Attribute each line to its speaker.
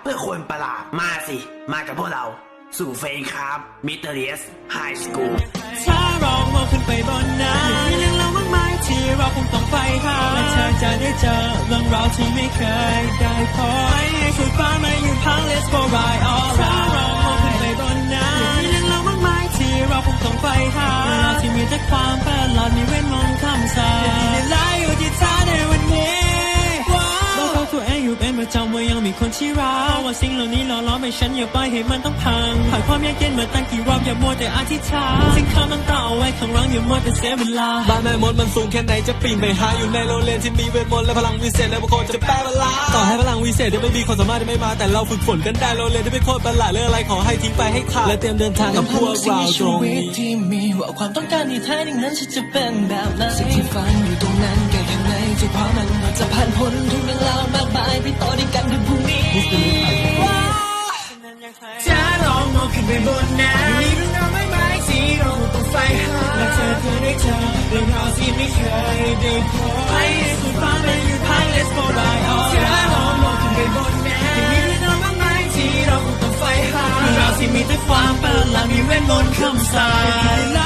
Speaker 1: พื่อคนประหลาดมาสิมากับพวกเราสู่เฟนครับมิเตอร์เรียสไฮสคูล
Speaker 2: ถ้าเรามองขึ้นไปบนนั้นมีเรื่องราวมากมายที่เราคงต้องไปหาและเธอจะได้เจอเรื่องราวที่ไม่เคยได้พบให้สุดฟ้ามาอยู่พัง Let's go right all ถ้าเรามองขึ้นไปบนนั้นมีเรื่องราวมากมายที่เราคงต้องไปหาเรื่องราวที่มีแต่ความประหลาดมีเวทมนต์คำสาปที่ไล่อยู่ที่เธอในวันนี้บอกเขาตัวเองอยู่เป็นประจำว่ายังมีคนที่รักว่าสิ่งเหล่านี้หล่อล้อมให้ฉันอย่าปล่อยให้มันต้องพังผ่านความยากเย็นมาตั้งกี่รอบอย่ามัวแต่อธิษฐานสิ่งคำมันต่อเอาไว้ข้างหลังอย่ามัวแต่เสียเวลา
Speaker 3: บ้านแม่มดมันสูงแค่ไหนจะปีนไปหาอยู่ในโรงเรียนที่มีเวทมนต์และพลังวิเศษและบางคนจะแปลเวลาต่อให้พลังวิเศษจะไม่มีความสามารถจะไม่มาแต่เราฝึกฝนกันได้โรงเรียนที่เป็นโคตรประหลาดเรื่องอะไรขอให้ทิ้งไปให้ขาดและเตรียมเดินทางกับพวกเราตรงนี้
Speaker 2: ที่มีว่าความต้องการที่แท้จริงนั้นฉันจะเป็นแบบไหนสิ่งที่ฝันอยู่ตรงนั้นแก่ข้างในจะพามันจะผ่านพ้นทุกเรื่องราวมากมายไปต่อด้วยกันในพรุ่งนี้จะลองมองขึ้นไปบนนั้นมีเรื่องราวมากมายที่เราต้องใฝ่หาและเธอเคยได้เจอเรื่องราวที่ไม่เคยได้พบให้สุดฟ้ามันอยู่พัง Let's go right all จะลองมองขึ้นไปบนนั้นมีเรื่องราวมากมายที่เราต้องใฝ่หาเรื่องราวที่มีแต่ความประหลาดมีเวทมนต์คำสาป